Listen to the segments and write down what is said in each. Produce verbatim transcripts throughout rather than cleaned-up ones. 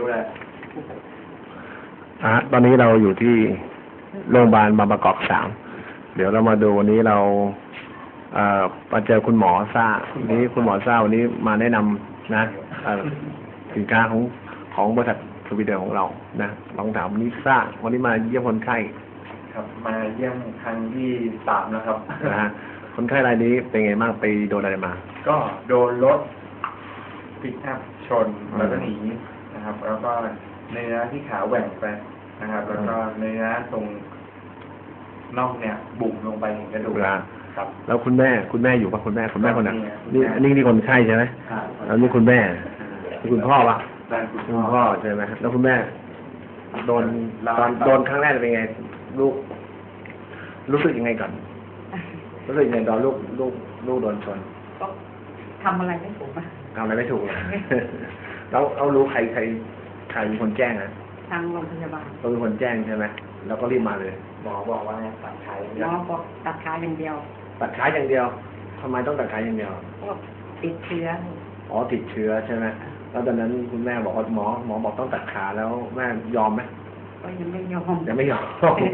เลยอ่ะตอนนี้เราอยู่ที่โรงพยาบาลบางประกอบสามเดี๋ยวเรามาดูวันนี้เราเอ่อมาเจอคุณหมอซ่าวันนี้คุณหมอซ่าวันนี้มาแนะนำนะสินค้าของของบริษัทสวีเดนของเรานะลองถามวันนี้ซ่าวันนี้มาเยี่ยมคนไข้ครับมาเยี่ยมครั้งที่สามแล้วครับนะฮะคนไข้รายนี้เป็นไงบ้างไปโดนอะไรมาก็โดนรถปิกอัพชนแล้วก็หนีนะครับแล้วก็เนื้อที่ขาแหว่งไปนะครับแล้วก็เนื้อตรงน่องเนี่ยบุ๋มลงไปเห็นกระดูกครับแล้วคุณแม่คุณแม่อยู่ปะคุณแม่คุณแม่คนไหนนี่อันนี้นี่คนไข้ใช่ไหมแล้วนี่คุณแม่นี่คุณพ่อปะคุณพ่อใช่ไหมแล้วคุณแม่โดนตอนโดนครั้งแรกเป็นไงลูกรู้สึกยังไงก่อนรู้สึกยังไงตอนลูกลูกลูกโดนชนก็ทำอะไรไม่ถูกอ่ะทำอะไรไม่ถูกเลยแล้วเอารู้ใครใครใครเป็นคนแจ้งนะทางโรงพยาบาลเขาเป็นคนแจ้งใช่ไหมแล้วก็รีบมาเลยหมอบอกว่าตัดขาหมอบอกตัดขาอย่างเดียวตัดขาอย่างเดียวทำไมต้องตัดขาอย่างเดียวก็ติดเชื้ออ๋อติดเชื้อใช่ไหมแล้วตอนนั้นคุณแม่บอกว่าหมอหมอบอกต้องตัดขาแล้วแม่ยอมไหมก็ยังไม่ยอมยังไม่ยอม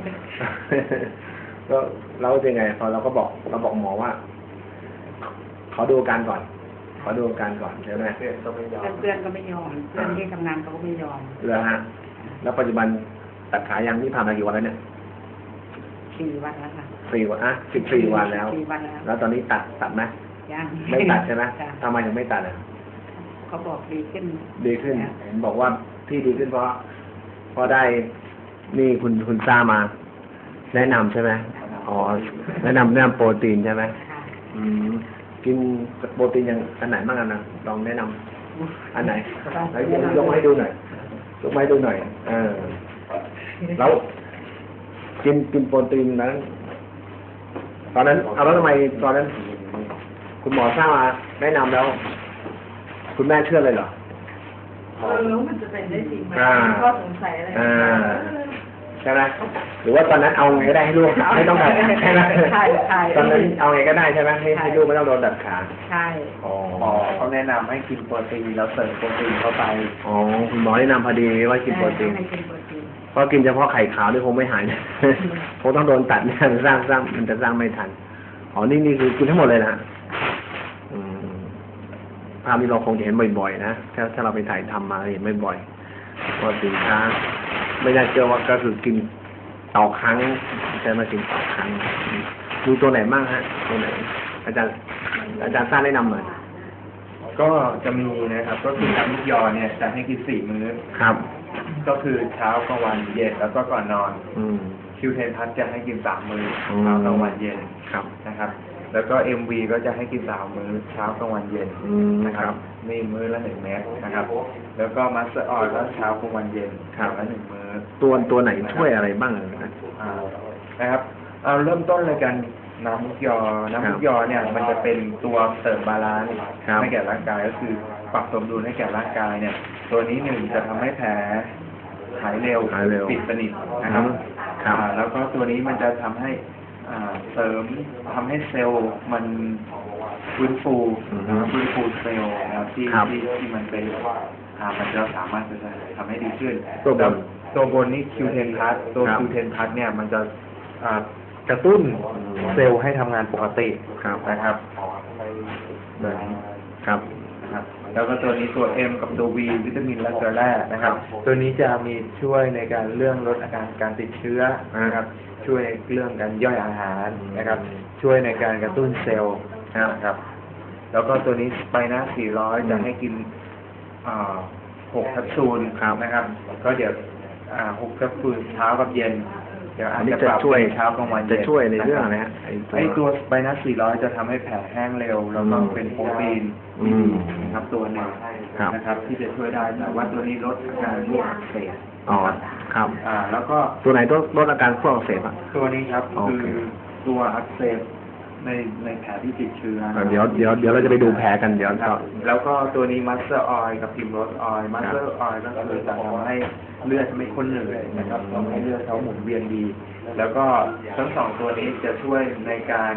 ก็เราเป็นไงพอเราก็บอกเราบอกหมอว่าขอดูอาการก่อนขอดูอาการก่อนใช่ไหมเพื่อนก็ไม่ยอมเพื่อนก็ไม่ยอมเพื่อนที่ทำงานเขาก็ไม่ยอมเลยฮะแล้วปัจจุบันตัดขายังนี่ผ่านมากี่วันแล้วเนี่ยสี่วันแล้วค่ะสี่วันอ่ะสิบสี่วันแล้วสี่วันแล้วแล้วตอนนี้ตัดตัดไหมยังไม่ตัดใช่ไหมทำไมถึงไม่ตัดอ่ะเขาบอกดีขึ้นดีขึ้นเห็นบอกว่าที่ดีขึ้นเพราะเพราะได้นี่คุณคุณซ่ามาแนะนำใช่ไหมอ๋อแนะนำแนะนำโปรตีนใช่ไหมอืมกินโปรตีนอย่างอันไหนบ้างกันนะลองแนะนำอันไหนไหนยกยกมาให้ดูหน่อยยกมาให้ดูหน่อยเออแล้วกินกินโปรตีนนั้นตอนนั้นเอาแล้วทำไมตอนนั้นคุณหมอทราบมาแนะนำแล้วคุณแม่เชื่อเลยเหรอเออมันจะเป็นได้จริงไหมก็สงสัยอะไรใช่ไหมหรือว่าตอนนั้นเอาไงก็ได้ให้ลูกไม่ต้องดัดใช่ไหมใช่ใช่ตอนนั้นเอาไงก็ได้ใช่ไหมให้ให้ลูกไม่ต้องโดนดัดขาใช่อ๋อเขาแนะนำให้กินโปรตีนแล้วเสริมโปรตีนเข้าไปอ๋อคุณหมอแนะนำพอดีว่ากินโปรตีนเพราะกินเฉพาะไข่ขาวนี่คงไม่หายคงต้องโดนตัดเนี่ยสร้างสร้างมันจะสร้างไม่ทันอ๋อนี่นี่คือกินทั้งหมดเลยนะภาพนี้เราคงจะเห็นบ่อยๆนะถ้าถ้าเราไปถ่ายทำมาเห็นบ่อยๆว่าสินค้าไม่น่าเชื่อว่าก็คือกินต่อครั้งใช่ไหมกินต่อครั้งดูตัวไหนบ้างฮะตัวไหนอาจารย์อาจารย์สร้างแนะนำหน่อยก็จะมีนะครับก็คือน้ำมุกยอเนี่ยจะให้กินสี่มื้อครับก็คือเช้ากลางวันเย็นแล้วก็ก่อนนอนอืมคิวเทนพัทจะให้กินสามมื้อเช้ากลางวันเย็นครับนะครับแล้วก็เอ็มวีก็จะให้กินสามมื้อเช้ากลางวันเย็นนะครับนี่มื้อละหนึ่งเม็ดนะครับแล้วก็มัสเตอร์ออยล์ก็เช้ากลางวันเย็นละหนึ่งมื้อตัวตัวไหนช่วยอะไรบ้างนะครับเอาเริ่มต้นเลยกันน้ำมุกยอน้ำมุกยอเนี่ยมันจะเป็นตัวเสริมบาลานซ์ให้แก่ร่างกายก็คือปรับสมดุลให้แก่ร่างกายเนี่ยตัวนี้หนึ่งจะทำให้แผลหายเร็วปิดสนิทนะครับแล้วก็ตัวนี้มันจะทำให้เสริมทำให้เซลล์มันฟื้นฟูฟื้นฟูเซลล์นะครับที่ที่ที่มันเป็นมันจะสามารถจะทำให้ดีขึ้นตัวบนตัวบนนี่คิวเทนพัทตัวคิวเทนพัทเนี่ยมันจะกระตุ้นเซลล์ให้ทำงานปกตินะครับครับแล้วก็ตัวนี้ตัว M กับตัว V วิตามินและเกลือแร่นะครับตัวนี้จะมีช่วยในการเรื่องลดอาการการติดเชื้อนะครับช่วยเรื่องการย่อยอาหารนะครับช่วยในการกระตุ้นเซลล์นะครับแล้วก็ตัวนี้ไปนะสี่ร้อยจะให้กินหกแคปซูลนะครับก็เดี๋ยวหกแคปซูลเช้ากับเย็นเดี๋ยวอาจจะปรับเป็นเช้ากลางวันเย็นจะช่วยในเรื่องนะไอ้ตัวไบนัสสี่ร้อยจะทำให้แผลแห้งเร็วแล้วก็เป็นโปรตีนนะครับตัวหนึ่งนะครับที่จะช่วยได้แต่ว่าตัวนี้ลดอาการพวกอักเสบอ๋อครับอ่าแล้วก็ตัวไหนตัวลดอาการพวกอักเสบอ่ะตัวนี้ครับคือตัวอักเสบในในแผลที่ติดเชื้อเดี๋ยวเดี๋ยวเดี๋ยวเราจะไปดูแผลกันเดี๋ยวแล้วก็ตัวนี้มัสเตอร์ออยล์กับพิมโรสออยล์มัสเตอร์ออยล์ก็คือจะทำให้เลือดไม่ข้นเหนื่อยนะครับทำให้เลือดเขาหมุนเวียนดีแล้วก็ทั้งสองตัวนี้จะช่วยในการ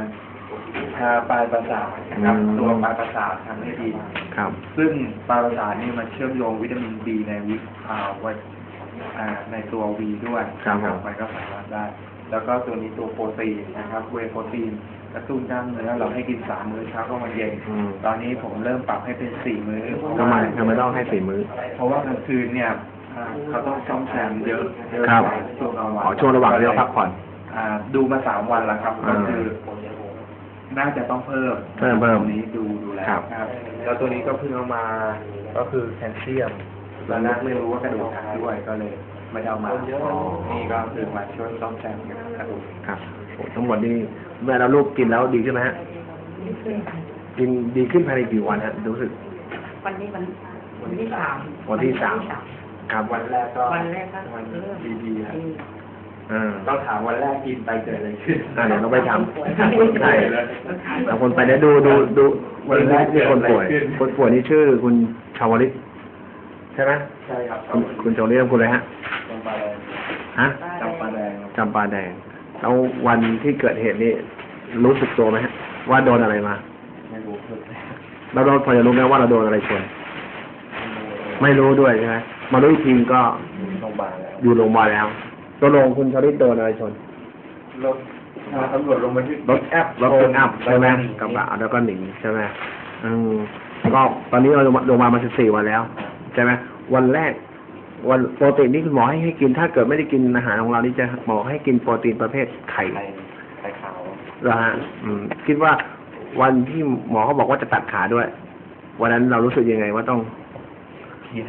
ทาปลายประสาทนะครับอืมตัวปลายประสาททำให้ดีครับซึ่งปลายประสาทนี่มันเชื่อมโยงวิตามินบีในวิอ่าไว้อ่าในตัววีด้วยครับผมมันก็สามารถได้ แล้วก็ตัวนี้ตัวโปรตีนนะครับเวย์โปรตีนกระตุ้นกล้ามเนื้อเราให้กินสามมื้อเช้าก็มาเย็นอืมตอนนี้ผมเริ่มปรับให้เป็นสี่มื้อทำไมทำไมต้องให้สี่มื้อเพราะว่ากลางคืนเนี่ยอ่าเขาต้องซ่อมแซมเยอะเยอะครับกว่าช่วงกลางวันอ๋อช่วงระหว่างที่เราพักผ่อนอ่าดูมาสามวันแล้วครับ ก็อ่าคือ น่าจะต้องเพิ่มเพิ่มเพิ่มตรงนี้ดูดูแล้วครับครับ แล้วตัวนี้ก็เพิ่งเอามาก็คือแคลเซียมตอนแรกไม่รู้ว่ากระดูกหักด้วยก็เลยไม่ได้เอามาอ๋อนี่ก็คือมาช่วยซ่อมแซมกระดูกครับโอ้ทั้งหมดนี่เมื่อเราลูกกินแล้วดีขึ้นไหมฮะ กินดีขึ้นภายในกี่วันฮะรู้สึกวันนี้วันวันที่สามวันที่สาม ครับวันแรกก็วันแรกก็วันเริ่มดีๆครับอ่าต้องถามวันแรกกินไปเกิดอะไรขึ้นอ่าเดี๋ยวเราไปทำใช่แต่คนไปเนี่ยดูดูดูวันแรกที่คนป่วย คนป่วยนี่ชื่อคุณชาวลิตใช่ไหมใช่ครับคุณคุณชาวลิตคุณอะไรฮะจำปาแดงฮะจำปาแดงครับจำปาแดง แล้ววันที่เกิดเหตุนี่รู้สึกตัวไหมฮะ ว่าโดนอะไรมาไม่รู้คือเราโดนพอจะรู้ไหมว่าเราโดนอะไรชน ไม่รู้ด้วยใช่ไหมมารู้อีกทีก็โรงพยาบาลแล้วอยู่โรงพยาบาลแล้วตัวลงคุณชาวลิตโดนอะไรชนรถอ่าตำรวจลงมาที่รถแอปรถเป็นอัพใช่ไหมกระบะแล้วก็หนีใช่ไหมอืมก็ตอนนี้เราลงมามาสิบสี่วันแล้ว ใช่ไหมวันแรก วันโปรตีนนี่คุณหมอให้ให้กิน ถ้าเกิดไม่ได้กินอาหารของเรานี่จะหมอให้กินโปรตีนประเภทไข่ไข่ไข่ขาวเหรอฮะอืมคิดว่าวันที่หมอเขาบอกว่าจะตัดขาด้วย วันนั้นเรารู้สึกยังไงว่าต้องเพี้ยน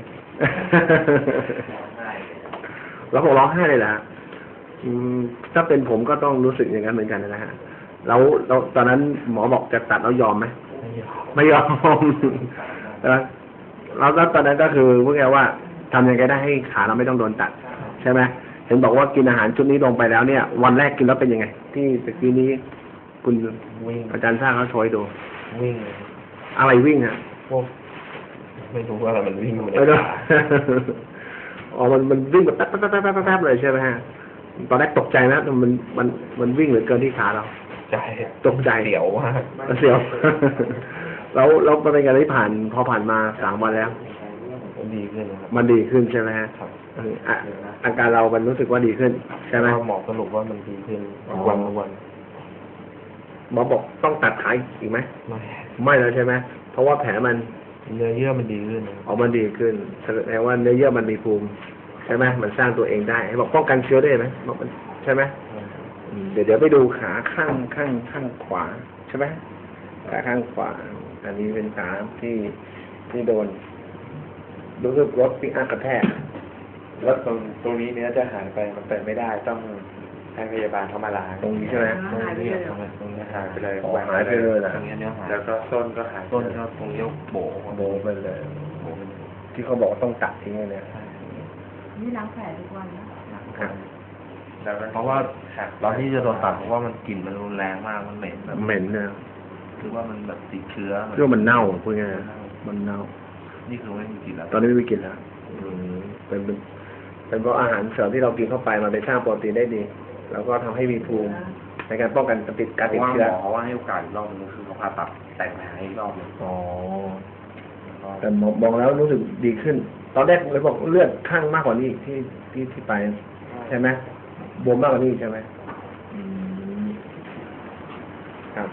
เราคงร้องไห้เลยนะอืมถ้าเป็นผมก็ต้องรู้สึกอย่างนั้นเหมือนกันนะฮะแล้วเราตอนนั้นหมอบอกจะตัดแล้วยอมไหม ไม่ยอม ใช่ไหมแล้วก็ตอนนั้นก็คือพวกแกว่าทำยังไงได้ให้ขาเราไม่ต้องโดนตัด ใช่ไหมเห็นบอกว่ากินอาหารชุดนี้ลงไปแล้วเนี่ย วันแรกกินแล้วเป็นยังไง ที่ตะกี้นี้ คุณวิ่งอาจารย์สร้างเขาโชว์ให้ดูวิ่งอะไรวิ่งอ่ะพวกไม่รู้ว่าอะไรมันวิ่งอยู่ในไม่รู้ขาอ๋อมันมันวิ่งแบบแป๊บแป๊บแป๊บแป๊บแป๊บเลยใช่ไหมฮะตอนแรกตกใจนะมันมันมันวิ่งเหลือเกินที่ขาเราใจตกใจเสียวมากเสียว แล้วแล้วมันเป็นไงที่ผ่านพอผ่านมาสามวันแล้วดีขึ้นนะครับมันดีขึ้นใช่ไหมฮะครับเอออ่ะอาการเรามันรู้สึกว่าดีขึ้น ใช่ไหมหมอสรุปว่ามันดีขึ้นอ๋อทุกวันทุกวันหมอบอกต้องตัดขาอีกไหมไม่ไม่แล้วใช่ไหมเพราะว่าแผลมันเนื้อเยื่อมันดีขึ้นนะออกมันดีขึ้นแสดงว่าเนื้อเยื่อมันมีภูมิใช่ไหมมันสร้างตัวเองได้ให้บอกป้องกันเชื้อได้ไหมบอกมันใช่ไหมอืมเดี๋ยวเดี๋ยวไปดูขาข้างข้างข้างขวาใช่ไหมขาข้างขวา อันนี้เป็นขาที่ที่โดนรู้สึกรถปิกอัพกระแทกแล้วตรงตรงนี้เนื้อจะหายไปมันเป็นไม่ได้ต้องให้พยาบาลเข้ามาล้างตรงนี้ใช่ไหมตรงนี้ตรงนี้หายไปเลยอ๋อหายไปเลยเหรอตรงนี้เนื้อหายแล้วก็ส้นก็หายต้นก็ตรงนี้โบโบไปเลย ที่เขาบอกว่าต้องตัดทิ้งเลยเนี่ยนี่ล้างแผลทุกวันนะครับแล้วก็เพราะว่าตอนที่จะโดนตัดเพราะว่ามันกลิ่นมันรุนแรงมาก มันเหม็นแบบเหม็นเนี่ยคือว่ามันแบบติดเชื้อเรื่องมันเน่าพูดง่ายๆมันเน่านี่คือไม่มีกลิ่นแล้วตอนนี้ไม่มีกลินแล้วอืมเป็นเป็นเป็นเพราะอาหารเสริมที่เรากินเข้าไปมันไปสร้างโปรตีนได้ดี แล้วก็ทำให้มีภูมิในการป้องกันติดการติดว่าเชื้อหมอว่าให้โอกาสอีกรอบนึงคือเขาผ่าตัดแต่งแผลอีกรอบนึงอ๋อแต่มองมองแล้วรู้สึกดีขึ้น ตอนแรกเลยบอกเลือดข้างมากกว่านี้ที่ที่ที่ไป ใช่ไหมบวมมากกว่านี้ใช่ไหมอืมครับ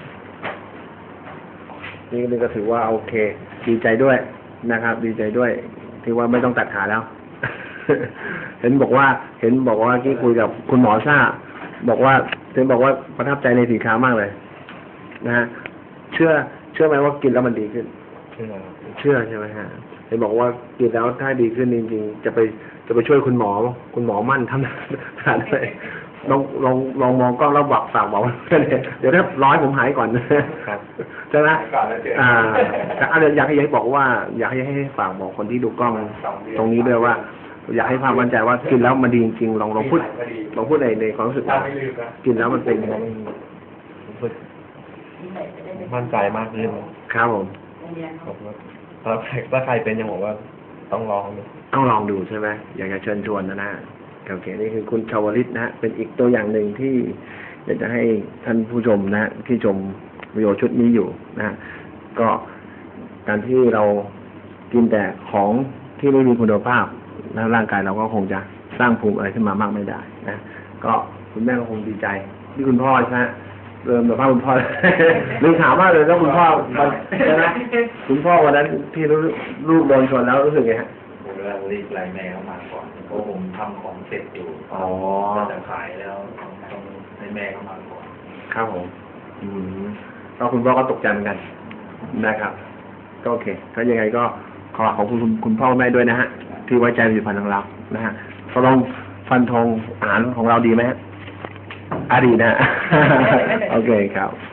นี่นี่ก็ถือว่าโอเค ดีใจด้วยนะครับ ดีใจด้วย ที่ว่าไม่ต้องตัดขาแล้ว เห็นบอกว่า เห็นบอกว่าที่คุยกับคุณหมอซ่า บอกว่าเห็นบอกว่าประทับใจในสินค้ามากเลย นะฮะเชื่อ เชื่อไหมว่ากินแล้วมันดีขึ้นเชื่อเชื่อใช่ไหมฮะเห็นบอกว่ากินแล้วถ้าดีขึ้นจริงๆจะไปจะไปช่วยคุณหมอ คุณหมอมั่นทำทานเลยลองลองลองมองกล้องแล้วบอกฝากบอกว่าเดี๋ยวถ้าร้อยผมหายก่อนนะครับ ใช่ไหมอ่าแต่อะไรอยากให้อยากให้บอกว่า อยากให้ให้ฝากบอกคนที่ดูกล้องตรงนี้ด้วยว่า อยากให้ความมั่นใจว่ากินแล้วมันดีจริงๆลองลองพูดลองพูดในในความรู้สึกว่ากินแล้วมันเป็นยังไงรู้สึกมั่นใจมากขึ้นครับผมบอกว่าถ้าใครถ้าใครเป็นยังบอกว่าต้องลองดูต้องลองดูใช่ไหมอยากจะเชิญชวนนะนะโอเคนี่คือคุณชาวลิตนะฮะเป็นอีกตัวอย่างหนึ่งที่อยากจะให้ท่านผู้ชมนะฮะที่ชมวิดีโอชุดนี้อยู่นะฮะก็การที่เรากินแต่ของที่ไม่มีคุณภาพแล้วร่างกายเราก็คงจะสร้างภูมิอะไรขึ้นมามากไม่ได้นะก็คุณแม่ก็คงดีใจที่คุณพ่อใช่ไหมเริ่มแบบว่าคุณพ่อ ลืมถามว่าเลยแล้วคุณพ่อใช่ไหมคุณพ่อวันนั้นที่ลูกโดนชนแล้วรู้สึกไงฮะผมก็รีบไล่แม่เข้ามาก่อนเพราะผมทำของเสร็จอยู่อ๋อจะขายแล้วต้องให้แม่เข้ามาก่อนครับผม อืมก็คุณพ่อก็ตกใจเหมือนกันนะครับ ก็โอเค ก็ยังไงก็ขอขอบคุณคุณคุณพ่อแม่ด้วยนะฮะ ที่ไว้ใจผลิตภัณฑ์ของเรา นะฮะตกลงฟันธงอาหารของเราดีไหมฮะอ่ะดีนะ โอเคครับ